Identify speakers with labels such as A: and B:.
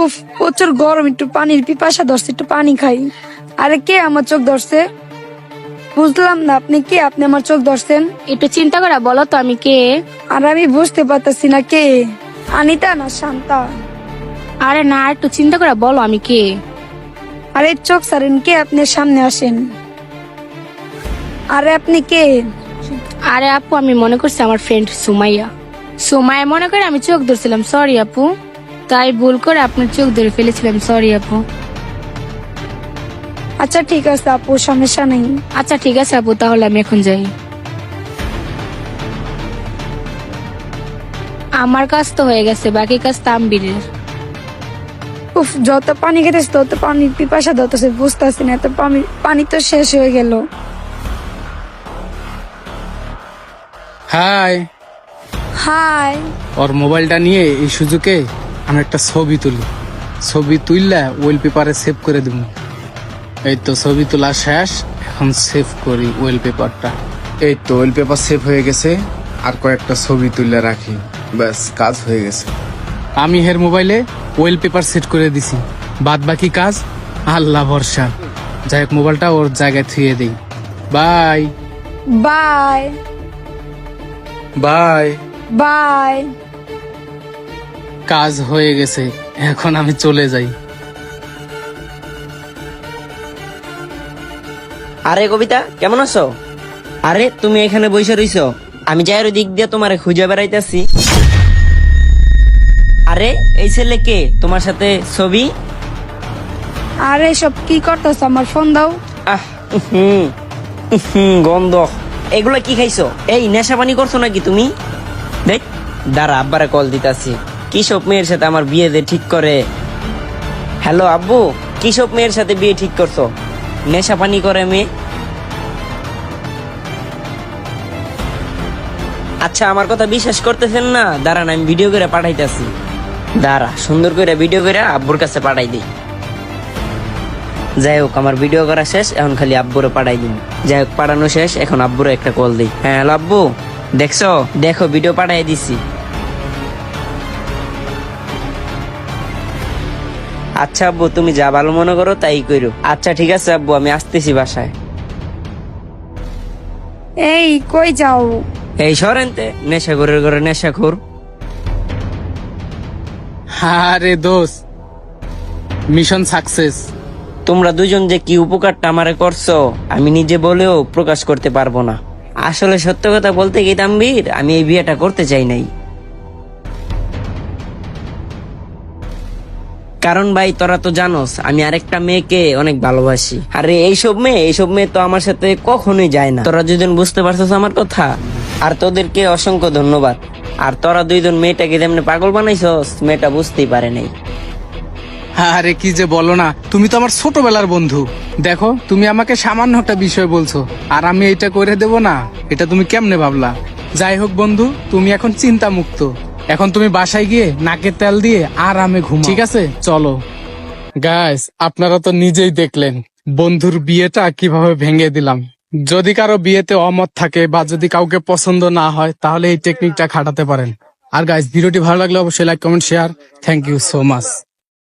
A: উফ, প্রচুর গরম, একটু পানির পিপাসা ধরছে, একটু পানি খাই। আরে কে আমার চোখ ধরছে? বুঝলাম না, আপনি কে? আপনি আমার চোখ ধরছেন?
B: একটু চিন্তা করে বলো তো আমি কে।
A: আর আমি বুঝতে পারতেছি না কে। আনিতা না শান্তা?
B: আরে না, একটু চিন্তা করে বলো আমি কে।
A: আরে চোখ সারেন, কে? আপনি সামনে আসেন। আরে আপনি কে?
B: আরে আপু, আমি মনে করছি আমার ফ্রেন্ড সুমাইয়া। সুমাইয়া মনে করে আমি চোখ ধরছিলাম, সরি আপু। তাই ভুল করে আপনার চোখ ধরে ফেলেছিলাম, সরি আপু।
A: আচ্ছা ঠিক আছে আপু, সমস্যা নেই।
B: আচ্ছা ঠিক আছে আপু, তাহলে আমি এখন যাই। আমার কাজ তো হয়ে গেছে, বাকি কাজ তাম্বিরের।
A: উফ, যত পানি খেতেছে তত পানির পিপাসা ধরতেছে, বুঝতেছি না, এত পানি পানি তো শেষ হয়ে গেল।
C: হাই।
A: হাই।
C: ওর মোবাইলটা নিয়ে এই সুযোগে আমি একটা ছবি তুলি। ছবি তুললে ওয়েল পেপারে সেভ করে দিব। এই তো ছবি তোলা শেষ, এখন সেভ করি ওয়েল পেপারটা। এই তো ওয়েল পেপার সেভ হয়ে গেছে, আর কয়েকটা ছবি তুলে রাখি, ব্যাস কাজ হয়ে গেছে। আমি হের মোবাইলে ওয়েল পেপার সেট করে দিছি, বাদ বাকি কাজ আল্লাহ ভরসা। যাই হোক, মোবাইলটা ওর জায়গায় থুয়ে দিই। Bye
A: bye.
C: বাই।
A: বাই।
C: কাজ হয়ে গেছে, এখন আমি চলে যাই।
D: আরে কবিতা, কেমন আছো? আরে তুমি এখানে বসে রইছো, আমি যাই ওই দিক দিয়ে তোমারে খুঁজে বেড়াইতেছি। আরে এই ছেলে কে? তোমার সাথে ছবি?
A: আরে সব কি করতেছ? আমার ফোন দাও।
D: আহ গন্ধ। এগুলা কি খাইছো? এই নেশা পানি করছো নাকি তুমি? দেখ, দাঁড়া আব্বারে কল দিতাছি। কি সব মেয়ের সাথে আমার বিয়ে দিয়ে ঠিক করে? হ্যালো আব্বু, কি সব মেয়ের সাথে বিয়ে ঠিক করছো? নেশা পানি করে মেয়ে? আচ্ছা, আমার কথা বিশ্বাস করতেছেন না? দাঁড়ান, আমি ভিডিও করে পাঠাইতেছি। দাঁড়া, সুন্দর করে ভিডিও করে আব্বুর কাছে পাঠাই দিই। যাই হোক, আমার ভিডিও করা শেষ, এখন খালি আব্বুরে পাঠাই দিন। যাই হোক, পাঠানো শেষ, এখন আব্বুরে একটা কল দিই। হ্যাঁ হ্যালো আব্বু, দেখছো? দেখো ভিডিও পাঠাই দিছি। আচ্ছা আব্বু, তুমি যা ভালো মনে করো তাই করো। আচ্ছা ঠিক আছে আব্বু, আমি আসতেছি বাসায়।
A: এই কই যাও?
D: এই সরেনতে, নেশাখোরের ঘরে নেশাখোর।
C: আরে দোস্ত, মিশন সাকসেস।
D: তোমরা দুজন যে কি উপকারটা আমারে করছো, আমি নিজে বলেও প্রকাশ করতে পারবো না। আসলে সত্য কথা বলতে কি তাম্বির, আমি এই বিয়েটা করতে চাই নাই। কারণ ভাই, তোরা তো জানোস আমি আরেকটা মেয়েকে অনেক ভালোবাসি। আরে এইসব মেয়ে তো আমার সাথে কখনোই যায় না। তোরা দুজন বুঝতে পারছিস আমার কথা, আর তোদেরকে অসংখ্য ধন্যবাদ। আর তোরা দুইজন মেয়েটাকে যেমনি পাগল বানাইছস, মেয়েটা বুঝতেই পারে নাই।
C: আরে কি যে বলো না, তুমি তো আমার ছোটবেলার বন্ধু। দেখো, তুমি আমাকে সামান্য একটা বিষয় বলছো, আর আমি এটা করে দেব না, এটা তুমি কেমনে ভাবলা? যাই হোক বন্ধু, তুমি এখন চিন্তা মুক্ত। এখন তুমি বাসায় গিয়ে নাকের তেল দিয়ে আরামে ঘুম, ঠিক আছে? চলো। গাইস, আপনারা তো নিজেই দেখলেন বন্ধুর বিয়েটা কিভাবে ভেঙে দিলাম। যদি কারো বিয়েতে অমত থাকে বা যদি কাউকে পছন্দ না হয়, তাহলে এই টেকনিকটা খাটাতে পারেন। আর গাইস, ভিডিওটি ভালো লাগলে অবশ্যই like, comment, share. Thank you so much.